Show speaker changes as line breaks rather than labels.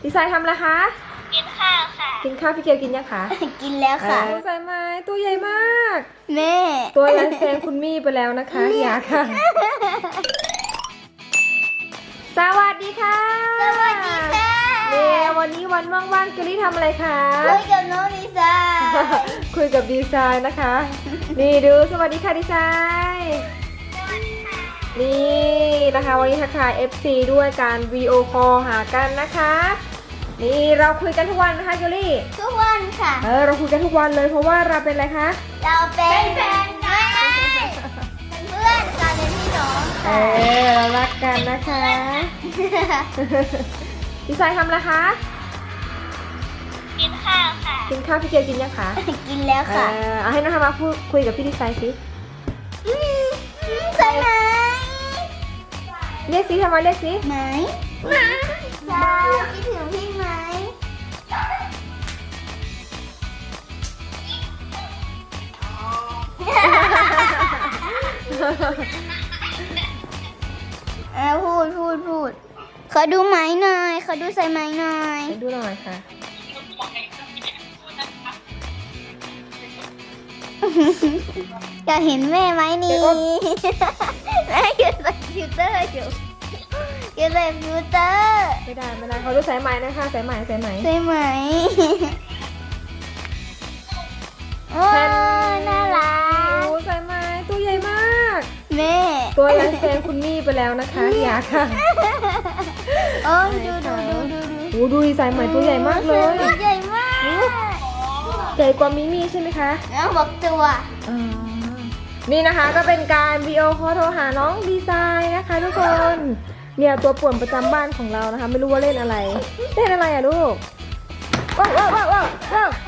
ดีไซน์ทำอะไรคะ
กินข้าวค่ะ
กินข้าวพี่เกียวกินยังคะ
กินแล้วค่ะ
ใส่ไม้ตัวใหญ่มาก
แม่
ตัวยันแซงคุณมี่ไปแล้วนะคะอย่าค่ะ สวัสดีค่ะ
สวัสดีค่ะ
เนี่ยวันนี้วันว่างๆเกลลี่ทำอะไรคะ
คุยกับน้องดีไซน์
คุยกับดีไซน์นะคะ นี่ดูสวัสดีค่ะดีไซน์นี่นะคะวันนี้ทักทาย FC ด้วยการวีดีโอคอลหากันนะคะนี่เราคุยกันทุกวันนะคะเกลลี่
ทุกวันค่ะ
เราคุยกันทุกวันเลยเพราะว่าเราเป็นอะไรคะ
เราเป็นแฟนกันเป็นเพื่อนกันเป็นพี่น้องค่ะ
เรารักกันนะคะดีไซน์ทำอะไรคะ
กินข้าวค่ะ
กินข้าวพี่เกียวกินยังคะ
กินแล้วค่ะ
เอาให้น้องทำมาพูดคุยกับพี่ดีไซน์สิ
ใช่ไหม
เรียกสิทำไมเรียกสิ
ไหมใช่คิดถึงพี่ไหมพูดขอดูไหมหน่อยขอดูใส่ไหมหน่อย
ไปดูหน่อยค่ะ
อยากเห็นแม่ไหมนี่
เดี๋ยวก่อน
แม่อยู่ใส่ฟิลเตอร์อยู่ใส่ฟิลเตอร์
ไม่ได้เขาดูสายไหมนะคะสายไหม
ใช่ไหมโอ้น่ารัก
โอ้สายไหมตัวใหญ่มาก
แม่
ตัวยันแซงคุณมี่ไปแล้วนะคะอย่าค่ะ
โอ้ดู
โอ้ดูดีสายไหมตัวใหญ่มากเลย
ใหญ่มาก
ใหญ่กว่ามิมี่ใช่ไหมคะ
แล้วบอกตัว
นี่นะคะก็เป็นการวิดีโอคอลโทรหาน้องดีไซน์นะคะทุกคนเนี่ยตัวป่วนประจำบ้านของเรานะคะไม่รู้ว่าเล่นอะไรอะลูกว้าว